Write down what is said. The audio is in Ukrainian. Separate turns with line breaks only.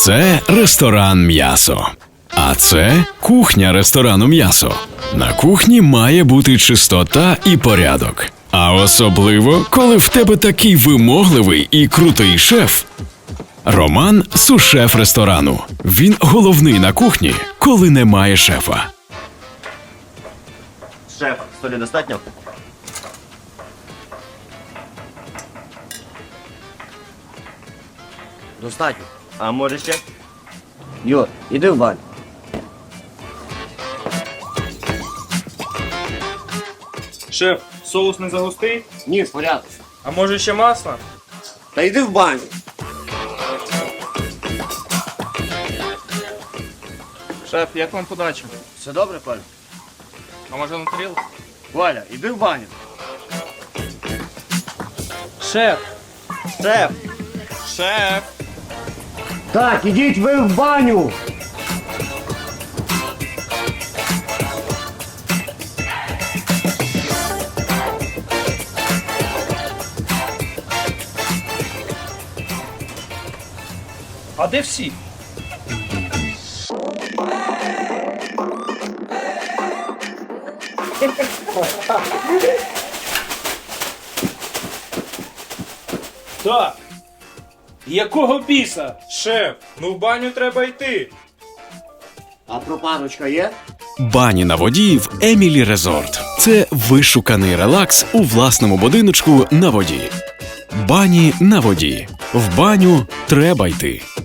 Це ресторан «М'ясо». А це кухня ресторану «М'ясо». На кухні має бути чистота і порядок. А особливо, коли в тебе такий вимогливий і крутий шеф. Роман – сушеф ресторану. Він головний на кухні, коли немає шефа.
Шеф, солі достатньо? Достатньо. А може ще?
Юр, іди в баню.
Шеф, соус не загустий?
Ні, в порядку.
А може ще масло?
Та йди в баню.
Шеф, як вам подача?
Все добре, Коля?
А може на тарілку?
Коля, іди в баню.
Шеф!
Шеф!
Шеф!
Так, ідіть ви в баню.
А де всі? Так. Якого біса? Шеф, ну в баню треба йти.
А пропаночка є?
Бані на воді в Емілі Резорт. Це вишуканий релакс у власному будиночку на воді. Бані на воді. В баню треба йти.